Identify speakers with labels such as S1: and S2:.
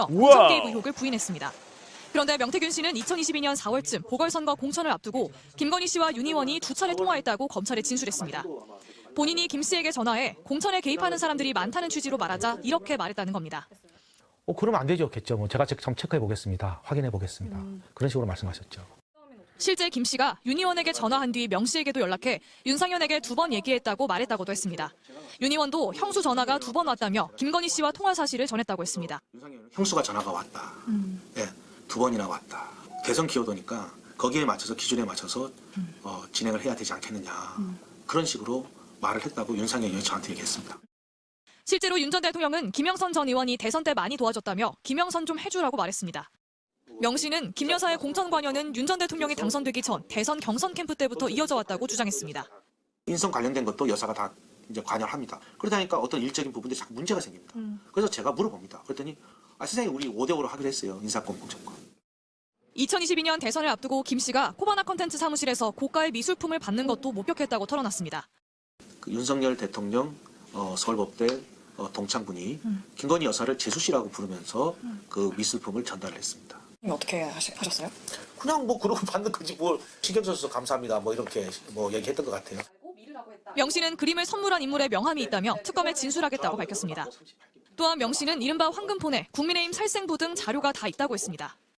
S1: 공천 개입 의혹을 부인했습니다. 그런데 명태균 씨는 2022년 4월쯤 보궐선거 공천을 앞두고 김건희 씨와 윤 의원이 두 차례 통화했다고 검찰에 진술했습니다. 본인이 김 씨에게 전화해 공천에 개입하는 사람들이 많다는 취지로 말하자 이렇게 말했다는 겁니다.
S2: 그러면 안 되죠, 겠죠. 제가 한번 체크해 보겠습니다. 확인해 보겠습니다. 그런 식으로 말씀하셨죠.
S1: 실제 김 씨가 윤 의원에게 전화한 뒤 명 씨에게도 연락해 윤상현에게 2번 얘기했다고 말했다고도 했습니다. 윤 의원도 형수 전화가 2번 왔다며 김건희 씨와 통화 사실을 전했다고 했습니다.
S3: 형수가 전화가 왔다. 네, 2번이나 왔다. 대선 기여도니까 거기에 맞춰서 기준에 맞춰서 진행을 해야 되지 않겠느냐. 그런 식으로 말을 했다고 윤상현 의원이 저한테 얘기했습니다.
S1: 실제로 윤 전 대통령은 김영선 전 의원이 대선 때 많이 도와줬다며 김영선 좀 해주라고 말했습니다. 명 씨는 김 여사의 공천 관여는 윤 전 대통령이 당선되기 전 대선 경선 캠프 때부터 이어져 왔다고 주장했습니다.
S3: 인성 관련된 것도 여사가 다 이제 관여를 합니다. 그러다 보니까 어떤 일적인 부분들이 자꾸 문제가 생깁니다. 그래서 제가 물어봅니다. 그랬더니 선생님 우리 5대5로 하기로 했어요. 인사권 공천권.
S1: 2022년 대선을 앞두고 김 씨가 코바나 컨텐츠 사무실에서 고가의 미술품을 받는 것도 목격했다고 털어놨습니다.
S3: 그 윤석열 대통령 서울법대 동창군이 김건희 여사를 재수 씨라고 부르면서 그 미술품을 전달을 했습니다.
S4: 어떻게 하셨어요?
S3: 그냥 뭐 그러고 받는 거지 뭘 신경 써서 감사합니다 뭐 이렇게 뭐 얘기했던 것 같아요.
S1: 명 씨는 그림을 선물한 인물의 명함이 있다며 특검에 진술하겠다고 밝혔습니다. 또한 명 씨는 이른바 황금폰에 국민의힘 살생부 등 자료가 다 있다고 했습니다.